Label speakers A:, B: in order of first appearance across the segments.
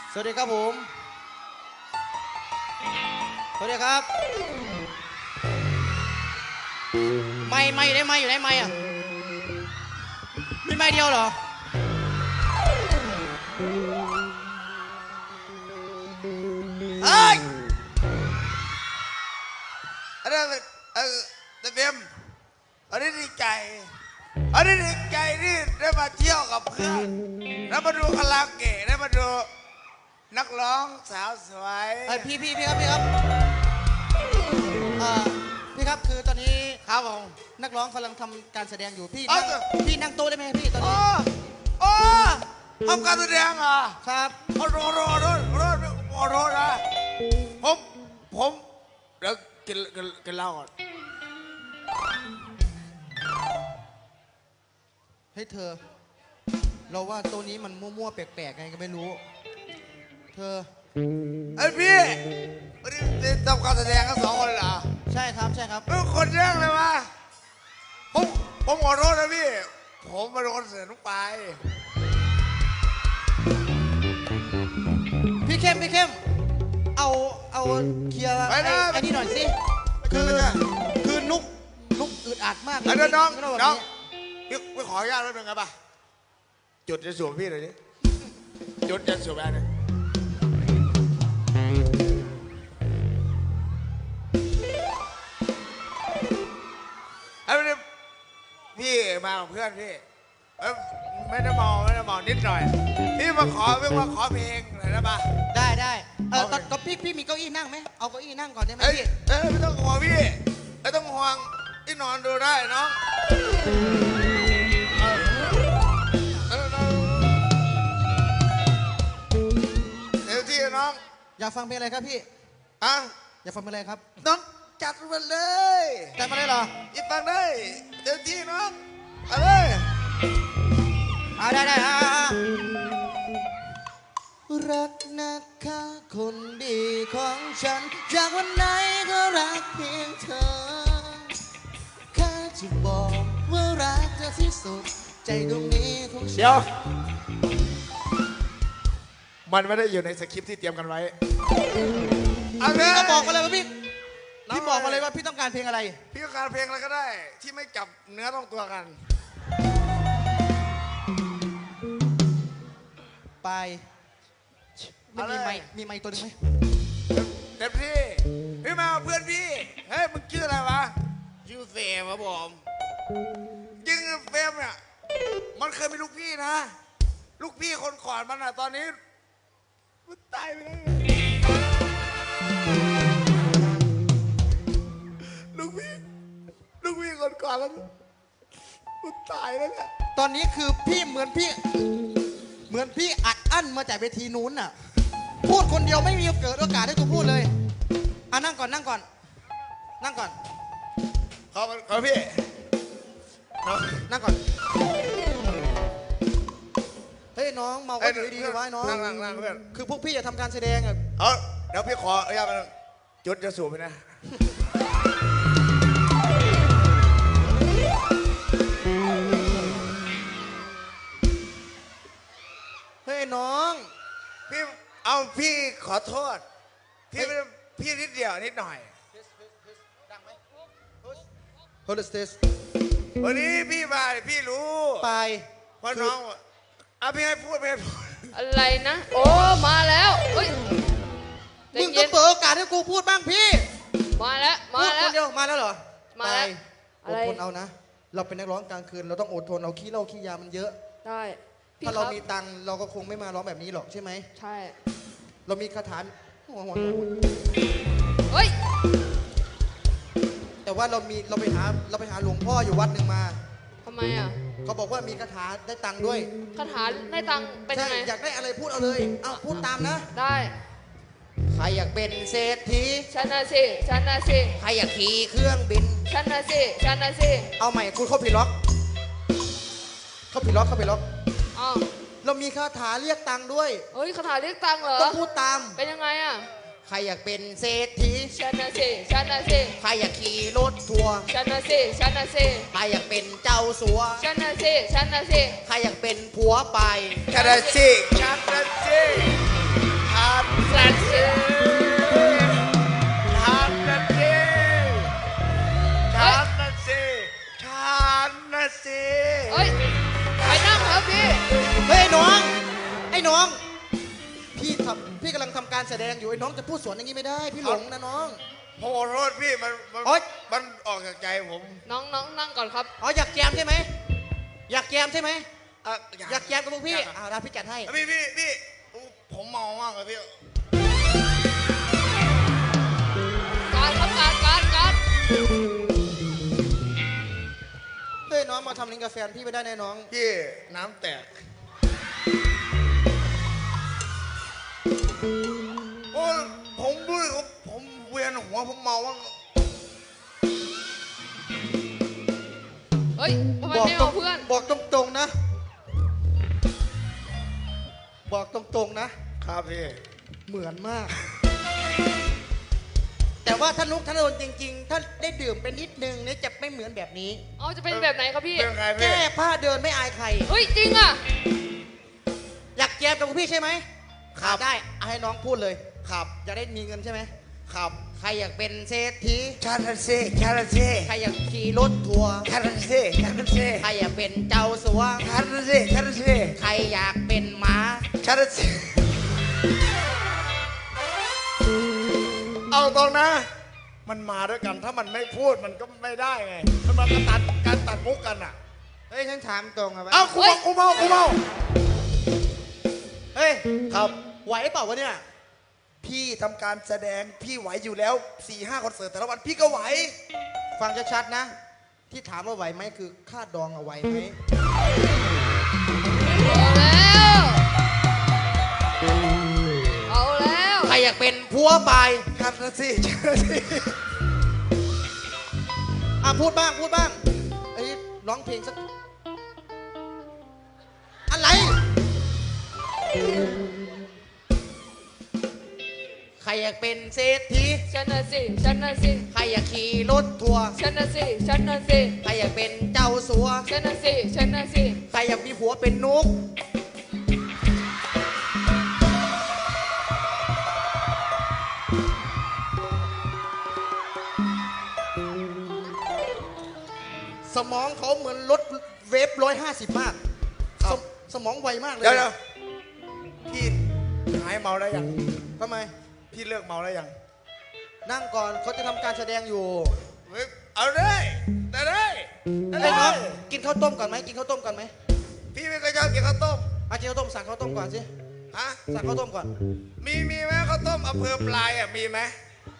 A: สวัสดีครับผมสวัสดีครับไม่อยู่ไหนไม่อยู่ไหนไม่อ่ะมีไม่เดียวเหรอเฮ้ย
B: อันนั้นเต็มอันนี้ดีใจที่ได้มาเที่ยวกับเพื่อนแล้วมาดูคาราโอเกะได้มาดูนักร้องสาวสวย
A: พี่ครับพี่ครับคือตอนนี้
B: ครับผม
A: นักร้องกำลังทำการแสดงอยู่พี่นั่งโต๊ะได้ไหมพี่ตอนนี้
B: โอ้ทำการแสดงเหรอ
A: ครับ
B: โรนะผมเดี๋ยวกินเหล้าก่อน
A: ให้เธอเราว่าตัวนี้มันมั่วๆแปลกๆไงก็ไม่รู้เธอ
B: ไอพี่วันนี้ทำการแสดงกัน2 คนเหรอ
A: ใช่ครับ
B: คนแรกเลยวะผมขอโทษนะพี่ผมมาโดนเสือนุ๊กไป
A: พี่เข้มเอาเคลียร์ไอ้นี่หน่อยสิคือนุกอึดอัดมากเลย
B: น้องพี่ขออนุญาตนิดนึงครับป่ะจุดจะสวมพี่เลยดิจุดจะสวมอะไรเนี่ยไอ้พี่มากับเพื่อนพี่ไม่ได้เมานิดหน่อยพี่มาขอเพลงหน่อยนะป่ะ
A: ได้ตอนพี่มีเก้าอี้นั่งไหมเอาเก้าอี้นั่งก่อนได้ไหมพี่
B: ไม่ต้องห่วงพี่ไม่ต้องห่วงที่นอนดูได้น้องเดี๋ยวที่น้อง
A: อยากฟังเพลงอะไรครับพี่อยากฟังเพลงอะไรครับ
B: น้องจัดมาเลย
A: จัดมาเลยเหรอ
B: อีฟังได้เดี๋ยวที่น้องเอาเลย
A: ได้รักนะคะคนดีของฉันจากวันไหนก็รักเพียงเธอแค่จะบอกว่ารักเธอที่สุดใจดวงนี้ของฉัน
B: เดี๋ยวมันไม่ได้อยู่ในสคริปต์ที่เตรียมกันไว้
A: พี่ก็บอกมาเลยว่าพี่บอกมาเลยว่าพี่ต้องการเพลงอะไร
B: พี่ต้องการเพลงอะไรก็ได้ที่ไม่จับเนื้อต้องตัวกัน
A: ไปมีไม้ตัวนึงไหม
B: เต็มที่พี่มาเพื่อนพี่เฮ้ยมึงชื่ออะไรวะชื่อเฟรมครับผมจริงเฟรมเนี่ยมันเคยมีลูกพี่นะลูกพี่คนก่อนมันอะตอนนี้มันตายไปแล้วลูกพี่คนก่อนมันตายแล้วเนี่ย
A: ตอนนี้คือพี่เหมือนพี่อัดอั้นมาจากเวทีนู้นน่ะพูดคนเดียวไม่มีเกิดโอกาสให้กูพูดเลยนั่งก่อน
B: ขอพี่
A: นั่งก่อนเฮ้ยน้องเมาก็อยู่ดีๆไว้น้อง
B: นั่งเพื่อน
A: คือพวกพี่จะทำการแสดงอ่ะ
B: เดี๋ยวพี่ขออนุญาตจุดจะสูบไปนะ
A: เฮ้ยน้อง
B: พี่ขอโทษพี่นิดเดียวนิดหน่อย
A: โฮลสเตส
B: วันนี้พี่มาพี่รู้
A: ไป
B: เพราะน้องพี่ให้พูด
C: อะไรนะโอ้มาแล้ว
A: มึงต้องเปิดโอกาสให้กูพูดบ้างพี่
C: มาแล้ว
A: คนเดียวมาแล้วเหรอ
C: มาแล้ว
A: อดทนเอานะเราเป็นนักร้องกลางคืนเราต้องอดทนเอาขี้เหล้าขี้ยามันเยอะ
C: ได้
A: ถ้าเรามีตังค์เราก็คงไม่มาร้องแบบนี้หรอกใช่ไหม
C: ใช่
A: เรามีคาถา
C: เฮ้ย
A: แต่ว่าเราไปหาหลวงพ่ออยู่วัดหนึ่งมา
C: ทำไมอ่ะ
A: เขาบอกว่ามีคาถาได้ตังค์ด้วย
C: คาถาได้ตังค์เป็นยังไง
A: อยากได้อะไรพูดเอาเลยพูดตามนะ
C: ได้
A: ใครอยากเป็นเศรษฐี
C: ฉันน่ะสิ
A: ใครอยากขี่เครื่องบิน
C: ฉันน่ะสิ
A: เอาใหม่คุณเข้าผิดล็อกเรามีคาถาเรียกตังค์ด้วย
C: เฮ้ยคาถาเรียกตังค์เหรอ
A: ต้องพูดตาม
C: เป็นยังไงอ่ะ
A: ใครอยากเป็นเศรษฐี
C: ฉันน่ะสิ
A: ใครอยากขี่รถทัวร์
C: ฉันน่ะสิ
A: ใครอยากเป็นเจ้าสัว
C: ฉันน่ะสิ
A: ใครอยากเป็นผัวไป
B: ฉันน่ะสิ
A: งทำการแสดงอยู่ไอ้น้องจะพูดสวนอย่างนี้ไม่ได้พี่หลงนะน้อง
B: ผมขอโทษพี่มัน
A: โอ๊ย
B: มันออกจากใจผม
C: น้องนั่งก่อนครับ
A: อ๋ออยากแจมใช่ไหมอยากแจมใช่ไหม
B: อ่ะ
A: อยากแจมกับพวกพี่
B: อยาก
A: อ่าพี่จัดให้
B: พี่ผมเมามากเลยพี่
C: การครับการ
A: เฮ้ยน้องมาทำลิงกับแฟนพี่ไม่ได้แน่น้อง
B: พี่น้ำแตกโอ้ยผมด้วยผมเวียนหัวผมเมามาก
C: เฮ้ยทำไมไม่เอาเพื่อน
A: บอกตรงๆนะ บอกตรงๆนะครับ
B: พี่
A: เหมือนมาก แต่ว่าถ้านุกธนดลจริงๆ ถ้าได้ดื่มไปนิดนึงเนี่ยจะไม่เหมือนแบบนี้
C: เอาจะเป็นแบบไหนครับพี่
B: เรื่องไงพี่
A: แก้ผ้าเดินไม่อายใคร
C: เฮ้ยจริงอ่ะ
A: อยากแจมกับพวกพี่ใช่ไหม
B: ครับ
A: ได้เอาให้น้องพูดเลย
B: ครับ
A: จะได้มีเงินใช่ไหม
B: ครับ
A: ใครอยากเป็นเศรษฐี
B: คาราเซ่คาราเซ่
A: ใครอยากขี่รถทัวร์
B: คาราเซ่คาราเซ่
A: ใครอยากเป็นเจ้าสัว
B: คาราเซ่คาราเซ่
A: ใครอยากเป็นม้า
B: คาราเซ่เอาตรงนะ มันมาด้วยกันถ้ามันไม่พูดมันก็ไม่ได้ไงมันมาการตัดมุกกันอ่ะ
A: เฮ้ยฉันถามตรงอะ
B: เอากูเมา
A: เฮ้ย
B: ครับ
A: ไหวเปล่าวะเนี่ย
B: พี่ทำการแสดงพี่ไหวอยู่แล้ว 4-5 คอนเสิร์ตแต่ละวันพี่ก็ไหว
A: ฟังชัดๆนะ ที่ถามว่าไหวไหมคือค่าดองเอาไหวไหม
C: เอาแล้ว
A: ใครอยากเป็นผัวบาย
B: คาราเซ่คาราเซ่
A: อ่ะพูดบ้างไอ้ยร้องเพลงสักอะไร ใครอยากเป็นเศรษฐี
C: ฉันน่ะสิ
A: ใครอยากขี่รถทัวร์
C: ฉันน่ะสิ
A: ใครอยากเป็นเจ้าสัว
C: ฉันน่ะสิ
A: ใครอยากมีผัวเป็นนุกสมองเขาเหมือนรถเวฟ150 มากสมองไวมากเลย
B: เดี๋ยวพี่หายเมาได้ยัง
A: ทำไม
B: พี่เลิกเมาได้ยัง
A: นั่งก่อนเขาจะทำการแสดงอยู่
B: เฮ้ยเอาได้ได้
A: ไอ้น้องกินข้าวต้มก่อนไหมกินข้าวต้มก่อนไหม
B: พี่ไม่เคยชอบกินข้าวต้ม
A: อากินข้าวต้มสั่งข้าวต้มก่อนสิ
B: ฮะ
A: สั่งข้าวต้มก่อน
B: มีไหมข้าวต้มอำเภอปลายอ่ะมีไหม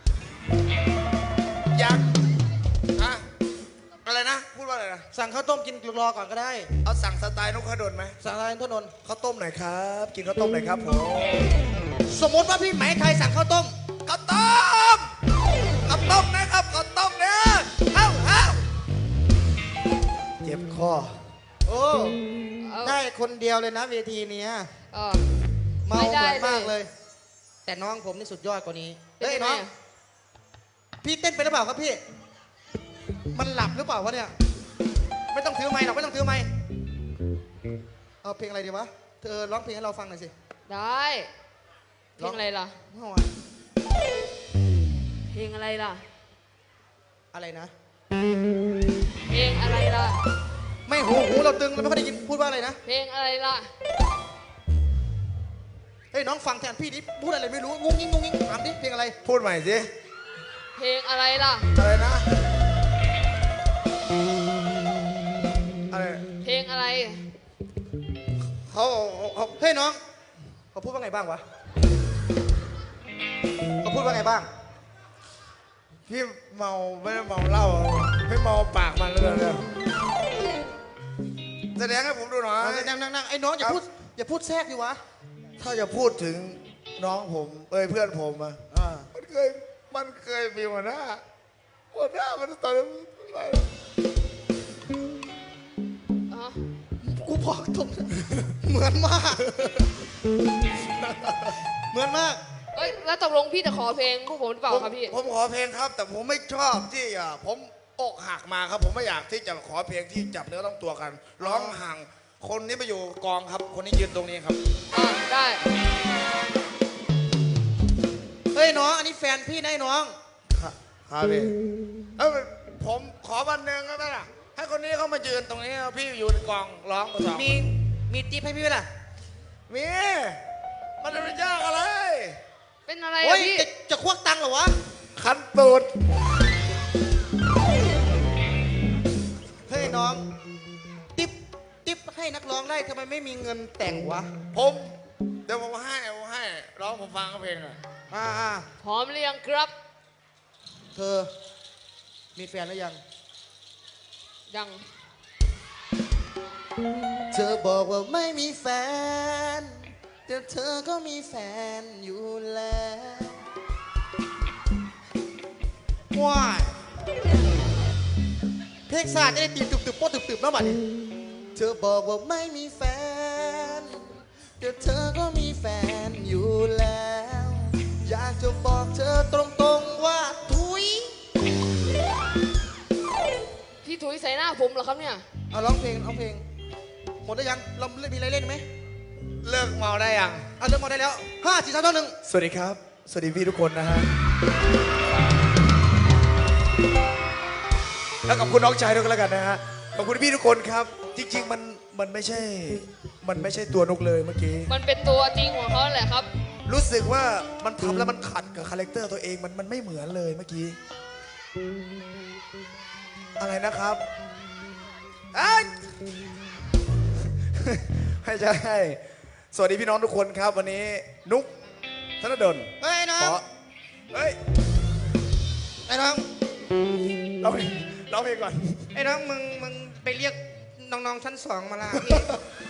B: ยักษ์ฮะอะไรนะพูดว่าอะไรนะ
A: สั่งข้าวต้มกินรอก่อนก็ได้
B: เอาสั่งสไตล์นกขดลไหม
A: สั่งอะไรทนนท์
B: ข้าวต้มหน่อยครับ กินข้าวต้มหน่อยครับผม
A: สมมติว่าพี่ไหมไทยสั่งข้าวต้ม
B: ข้าวต้มนะครับข้าวต้มเนี่ยเฮ้าเจ็บคอ
A: โอ้
C: เอา
A: ได้คนเดียวเลยนะเวทีเนี้ย
C: เออ
A: เมา
C: ไม่
A: เห
C: ได้
A: มือนมาก
C: เล
A: เลย ย แต่น้องผมนี่สุดยอดกว่านี้
C: เป็น
A: เฮ้ย
C: ยังไง
A: น้อง
C: อะ
A: พี่เต้นไปหรือเปล่าครับพี่ มันหลับหรือเปล่าวะเนี่ย ไม่ต้องถือไม้หรอกไม่ต้องถือไม้เอาเพลงอะไรดีวะ เธอร้องเพลงให้เราฟังหน่อยสิ
C: ได้เพลงอะไรล่ะ
A: ไม่เอาอะ
C: เพลงอะไรล่ะ
A: อะไรนะ
C: เพลงอะไรล่ะ
A: ไม่หูเราตึงเราไม่ค่อยได้ยินพูดว่าอะไรนะ
C: เพลงอะไรล่ะ
A: เฮ้ยน้องฟังแทนพี่ดิพูดอะไรไม่รู้งุ้งงิ้งถามดิเพลงอะไร
B: พูดใหม่สิ
C: เพลงอะไรล่ะ
B: อะไรนะอะไร
C: เพลงอะไร
B: เขา
A: เฮ้ยน้องเขาพูดว่าไงบ้างวะเขาพูดว่าไงบ้าง
B: พี่เมาไม่ได้เมาเหล้าไม่เมาปากมันเลยแสดงให้ผมดูหน่อย
A: นั่งไอ้น้องอย่าพูดแทรกดิวะ
B: ถ้าจะพูดถึงน้องผมเพื่อนผมอะ
A: อ่า
B: มันเคยมีหัวหน้ามันตอนนั้น
C: อ๋อ
A: กูบอกตรง เหมือนมาก เหมือนมาก
C: เอ้ยแล้วตกลงพี่จะขอเพลงพวกผมหรือเปล่าครับพี่
B: ผมขอเพลงครับ แต่ผมไม่ชอบที่ผมอกหักมาครับ ผมไม่อยากที่จะขอเพลงที่จับเนื้อต้องตัวกัน ร้องห่างคนนี้ไปอยู่กองครับ คนนี้ยืนตรงนี้ครับ
C: อ่าได้
A: เฮ้ยน้องอันนี้แฟนพี่นะไอ้น้อง
B: ครับพี่ผมขอวันหนึ่งก็ได้ล่ะให้คนนี้เขามายืนตรงนี้พี่อยู่ในกองร้องกับสอง
A: มีจิ๊บให้พี่ไหมล่ะ
B: มีมันจะเป็นยากอะไร
C: เป็นอะไร
A: โอ้
C: อะ
A: ย
C: พี่
A: จะควักตังค์เหรอวะ
B: คันตูด
A: เฮ้ยน้องติ๊บให้นักร้องได้ทำไมไม่มีเงินแต่งวะ
B: ผมเดี๋ยวผมให้ร้องผมฟังเพลงอ่ะ
A: อ่า
C: พร้อมหรือยังครับ
A: เธอ มีแฟนหรือยัง
C: ยัง
A: เธอบอกว่าไม่มีแฟน แต่เธอก็มีแฟนอยู่แล้วว้ายเพลงศาสตร์จะได้ตีตึบโป๊ะตึบๆแล้วบัดนี้เธอบอกว่าไม่มีแฟน แต่เธอก็มีแฟนอยู่แล้ว อยากจะบอกเธอตรงๆว่าทุย
C: พี่ถุยใส่หน้าผมเหรอครับเนี่ย
A: เอาร้องเพลงหมดได้ยังเรามีอะไรเล่นไหม
B: เลิกเมาได้ยัง
A: เอาเริ่มมาได้แล้ว5 4 3 2 1
B: สวัสดีครับ สวัสดีพี่ทุกคนนะฮะแล้วขอบคุณน้องชายด้วยกันแล้วกันนะฮะขอบคุณพี่ทุกคนครับ จริงๆมันไม่ใช่ตัวนุกเลยเมื่อกี้
C: มันเป็นตัวจริงของเขาแหละครับ
B: รู้สึกว่ามันทำแล้วมันขัดกับคาแรคเตอร์ตัวเองมันไม่เหมือนเลยเมื่อกี้ อะไรนะครับอ้ายไม่ใช่สวัสดีพี่น้องทุกคนครับวันนี้นุกธนดล
A: เฮ้ยน้อ
B: ข
A: ง
B: อเฮ้ย
A: ไอ้น้อง
B: ร้องเพลงก่อน
A: ไอ้น้องมึงไปเรียกน้องๆชั้น2มาละพี่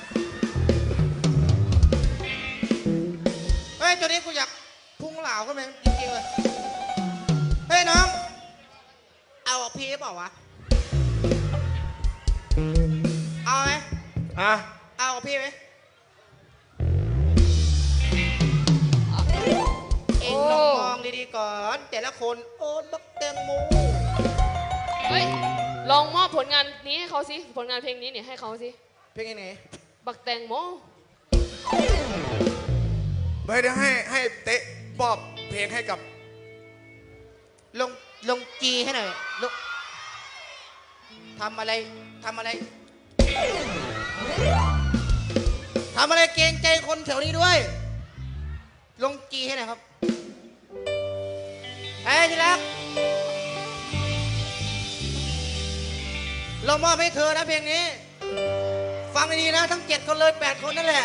A: เฮ้ยตัวนี้กูอยากพุ่งเหล่าขึ้นมาจริงๆเลยเฮ้ยน้อง เอาพีเปล่าวะเอาไหม
B: ฮะ
A: เอาพี่ไหมเอ็งลองมองดีๆก่อนแต่ละคนโอนบักแตงโม
C: เฮ้ย ลองมอบผลงานนี้ให้เขาสิ ผลงานเพลงนี้เนี่ยให้เขาสิ
A: เพลงไหน
C: บักแตงโม
B: ไม่ได้ให้เตะบอบเพลงให้กับ
A: ลงจีให้หน่อยลงทำอะไรทำอะไรเกรงใจคนแถวนี้ด้วย ลงจีให้หน่อยครับเฮ้ยที่รักเรามอบให้เธอนะเพลงนี้ ฟังดีๆนะทั้ง7 คนเลย8 คนนั่นแหละ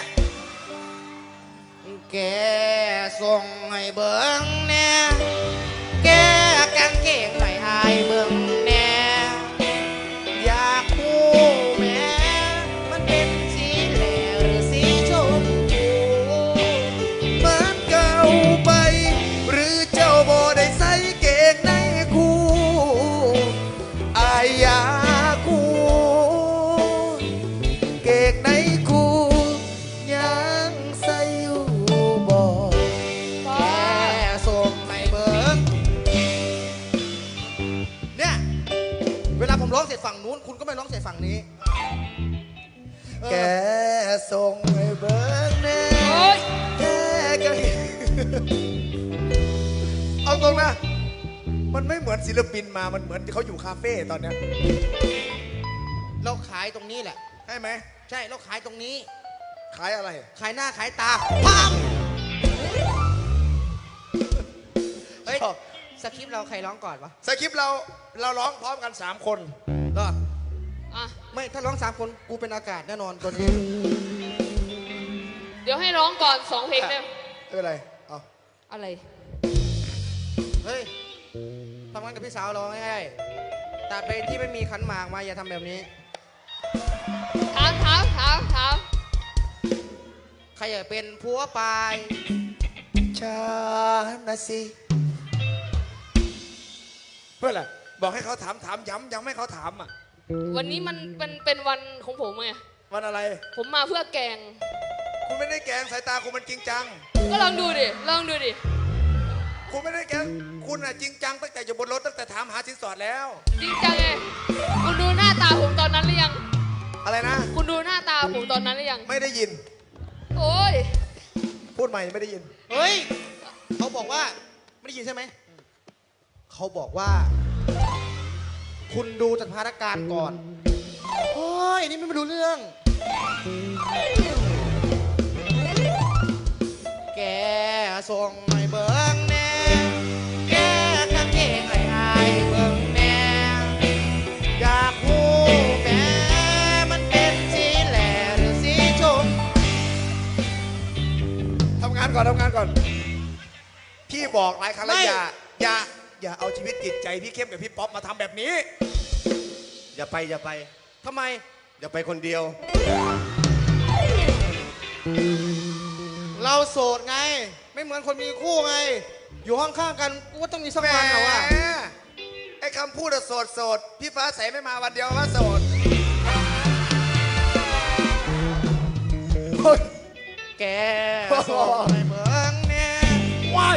A: แกส่งให้เบิ่งแน่แกกางเกงไหลอายเบิ่งแน่อยากพูแม่มันเป็นสีแหล่หรือสีชมพูเหมือนเก่าไป หรือเจ้าบ่ได้ใส่เกงในคู่อายอยากคู่เกงในคู่ยังใส่อยู่บ่ แกส่งให้เบิ่งเนี่ย เวลาผมร้องเสร็จฝั่งนู้นคุณก็ไม่ร้องเสร็จฝั่งนี้ แกส่งให้เบิ่งแน่
C: โอ๊ย
A: แกก็
B: เอาตรงนะมันไม่เหมือนศิลปินมามันเหมือนเขาอยู่คาเฟ่ตอนเนี้ย
A: เราขายตรงนี้แหละ
B: ใช่ไหม
A: ใช่เราขายตรงนี้
B: ขายอะไร
A: ขายหน้าขายตาพังเฮ้ย
B: ชอบ
A: สคริปต์เราใครร้องก่อนวะ
B: สคริปต์เราร้องพร้อมกัน3 คน
A: เหรอ
C: อ่ะ
A: ไม่ถ้าร้อง3 คนกูเป็นอากาศแน่นอนตัวนี้
C: เดี๋ยวให้ร้องก่อน2 เพลงได้ไหม
B: ไม่เป็นไรเอา
C: อะไร
A: เฮ้ยทำงานกับพี่สาวร้องง่ายๆแต่เพลงที่ไม่มีขันหมากมาอย่าทำแบบนี้
C: ถาม
A: ใครอยากเป็นผัวปลาย
B: ฉันนะสิเพื่ออะไรบอกให้เขาถามย้ำให้เขาถามอ่ะ
C: วันนี้มันเป็นวันของผมไง
B: วันอะไร
C: ผมมาเพื่อแกง
B: คุณไม่ได้แกล้งสายตาคุณมันจริงจัง
C: ก็ลองดูดิ
B: คุณไม่ได้แกล้งคุณอ่ะจริงจังตั้งแต่อยู่บนรถตั้งแต่ถามหาสินสอดแล้ว
C: จริงจังไง คุณดูหน้าตาผมตอนนั้นหรือยัง
B: อะไรนะ
C: คุณดูหน้าตาผมตอนนั้นหรือยัง
B: ไม่ได้ยิน
C: โอ้ย
B: พูดใหม่ไม่ได้ยิน
A: เฮ้ยเขาบอกว่าไม่ได้ยินใช่ไหมเขาบอกว่า คุณดูสถานการณ์ก่อนโอ้ยนี่ไม่รู้เรื่อง แกส่งให้เบิ่ง
B: านก่อนทำงานก่อน พี่บอกหลายครั้งแล้วอย่าเอาชีวิตจิตใจพี่เข้มกับพี่ป๊อปมาทำแบบนี้
A: อย่าไปทำไมอย่าไปคนเดียว เราโสดไง ไม่เหมือนคนมีคู่ไง อยู่ห้องข้างกันกูก็ต้องมีสักวันเหรอวะ
B: แหมไอ้คำพูดอะโสดพี่ฟ้าใสไม่มาวันเดียวว่าโสด
A: แกโสดไม่เหมือน